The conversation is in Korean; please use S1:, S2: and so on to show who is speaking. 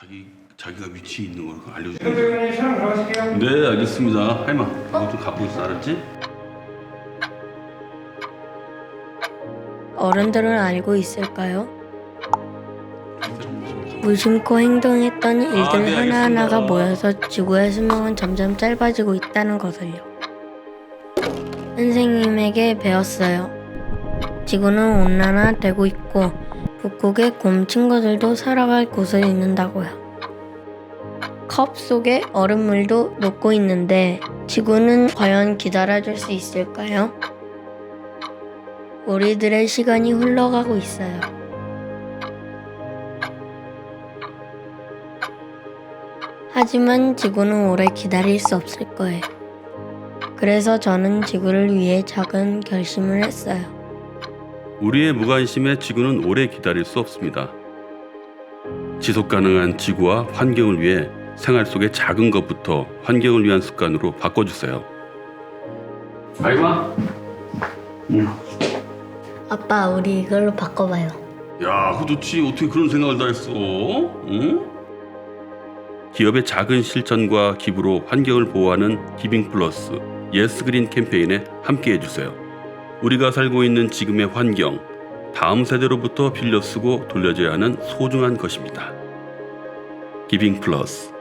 S1: 자기가 위치에 있는 걸 알려주세요. 네, 알겠습니다. 할마, 이거 좀 갖고 있어, 알았지?
S2: 어른들은 알고 있을까요? 무심코 행동했던 일들
S1: 네,
S2: 하나하나가
S1: 알겠습니다.
S2: 모여서 지구의 수명은 점점 짧아지고 있다는 것을요. 선생님에게 배웠어요. 지구는 온난화되고 있고 북극의 곰 친구들도 살아갈 곳을 잃는다고요. 컵 속에 얼음물도 녹고 있는데 지구는 과연 기다려줄 수 있을까요? 우리들의 시간이 흘러가고 있어요. 하지만 지구는 오래 기다릴 수 없을 거예요. 그래서 저는 지구를 위해 작은 결심을 했어요.
S1: 우리의 무관심에 지구는 오래 기다릴 수 없습니다. 지속 가능한 지구와 환경을 위해 생활 속의 작은 것부터 환경을 위한 습관으로 바꿔주세요. 알마? 응.
S2: 아빠, 우리 이걸로 바꿔봐요.
S1: 야, 그거 좋지. 어떻게 그런 생각을 다 했어? 응? 기업의 작은 실천과 기부로 환경을 보호하는 기빙 플러스 예스 그린 캠페인에 함께 해주세요. 우리가 살고 있는 지금의 환경, 다음 세대로부터 빌려 쓰고 돌려줘야 하는 소중한 것입니다. 기빙 플러스